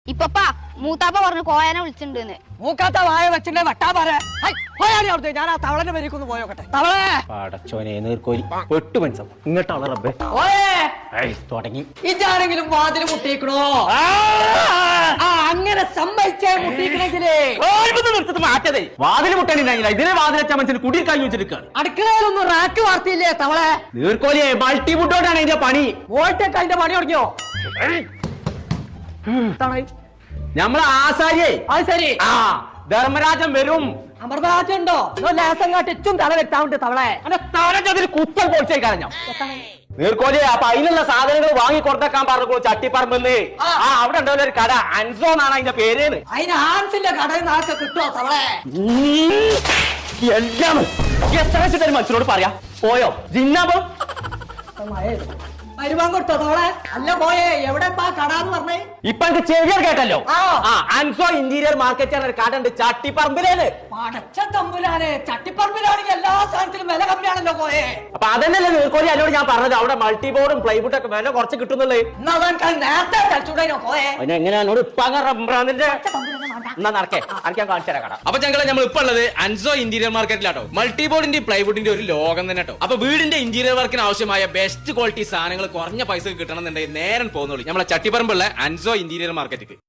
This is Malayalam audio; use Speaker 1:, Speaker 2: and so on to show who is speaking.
Speaker 1: ഇപ്പപ്പാ മൂത്താപ്പ പറഞ്ഞു കോയനെ വിളിച്ചിട്ടുണ്ടെന്ന്.
Speaker 2: മൂക്കാത്ത വായ വെച്ചിട്ട് വട്ടാ പറ പോയാലേ ഞാൻ ആ തവളന്റെ പേരിക്കൊന്ന് പോയോക്കട്ടെ. തവളേ
Speaker 3: പടച്ചോനെ നീർക്കോലി പെട്ടു മനസ്സം ഇങ്ങോട്ടാണ് റബ്ബേ തുടങ്ങി.
Speaker 2: ഇതാരെങ്കിലും വാതിൽ മുട്ടിക്കണോ? അങ്ങനെ സമ്മതിച്ചേ മുട്ടിക്കണെങ്കിലേ
Speaker 3: മാറ്റതേ വാതിൽ മുട്ടണില്ല. ഇതിനെ വാതിലച്ച മനുഷ്യന് കുടിയിൽ കഴിഞ്ഞു വെച്ചിരിക്കാണ്.
Speaker 2: അടുക്കളയിലൊന്നും റാക്ക് വാർത്തിയില്ലേ തവളെ?
Speaker 3: നീർക്കോലിയെ മൾട്ടി ഫുഡോട്ടാണ് ഇതിന്റെ പണി.
Speaker 2: വോൾട്ടൊക്കെ അതിന്റെ പണി തുടങ്ങിയോ?
Speaker 3: നമ്മളെ ആസാരിയെ
Speaker 2: അത് ശരി.
Speaker 3: ആ ധർമ്മരാജൻ വരും.
Speaker 2: അമൃതരാജൻ ഉണ്ടോ? ലേസം കാട്ടിച്ചും തല വെട്ടാവുണ്ട് തവളെ.
Speaker 3: തലച്ചതിൽ കുത്തൽ പൊളിച്ചേക്കാ ഞാൻ നീർക്കോലിയെ. അപ്പൊ അതിനുള്ള സാധനങ്ങൾ വാങ്ങി കൊടുത്തേക്കാൻ പറഞ്ഞു ചട്ടിപ്പറമ്പെന്ന്. ആ അവിടെ ഉണ്ടാവില്ല ഒരു കട, അൻസോ എന്നാണ് അതിന്റെ പേര്.
Speaker 2: അതിന് ഹാൻസിന്റെ കടയിൽ നാളെ കിട്ടുമോ തവളെ?
Speaker 3: എല്ലാം എത്ര വെച്ചിട്ട് മനുഷ്യനോട് പറയാ പോയോ ജിന്നാബം
Speaker 2: വരുമാൻ കൊടുത്തോ തവളെ? അല്ല പോയേ എവിടെ കടാന്ന് പറഞ്ഞേ?
Speaker 3: ഇപ്പൊ എനിക്ക് ചെവിയർ കേട്ടല്ലോ. അൻസോ ഇന്റീരിയർ മാർക്കറ്റ് ഒരു കട ഉണ്ട് ചട്ടിപ്പറമ്പിലേന്ന്.
Speaker 2: പടച്ച തമ്പുരാനെ, ചട്ടിപ്പറമ്പിലാണെങ്കിൽ എല്ലാ സാധനത്തിലും വില കമ്മിയാണല്ലോ പോയേ.
Speaker 3: അപ്പൊ അതന്നെയല്ലേ നീർക്കോലി എന്നോട് ഞാൻ പറഞ്ഞത് അവിടെ മൾട്ടിബോർഡും പ്ലൈവുഡും ഒക്കെ വില കുറച്ച് കിട്ടുന്നുള്ളേ.
Speaker 2: നേരത്തെ കളിച്ചൂടോ പോയേ.
Speaker 3: അതിന് എങ്ങനെയാ എന്നോട് ഇപ്പൊ എന്നാ നടക്കേ അനക്കാൻ കാണിച്ചു തരാം കട.
Speaker 4: അപ്പൊ ഞങ്ങളെ നമ്മൾ ഇപ്പൊ ഉള്ളത് അൻസോ ഇന്റീരിയർ മാർക്കറ്റിലാട്ടോ. മൾട്ടിബോർഡിന്റെ പ്ലൈവുഡിന്റെ ഒരു ലോകം തന്നെ കേട്ടോ. അപ്പൊ വീടിന്റെ ഇന്റീരിയർ വർക്കിന് ആവശ്യമായ ബെസ്റ്റ് ക്വാളിറ്റി സാധനങ്ങൾ കുറഞ്ഞ പൈസ കിട്ടണമെന്നുണ്ടെങ്കിൽ നേരം പോകുന്നുള്ളൂ നമ്മളെ ചട്ടിപ്പറമ്പുള്ള അൻസോ ഇന്റീരിയർ മാർക്കറ്റിക്ക്.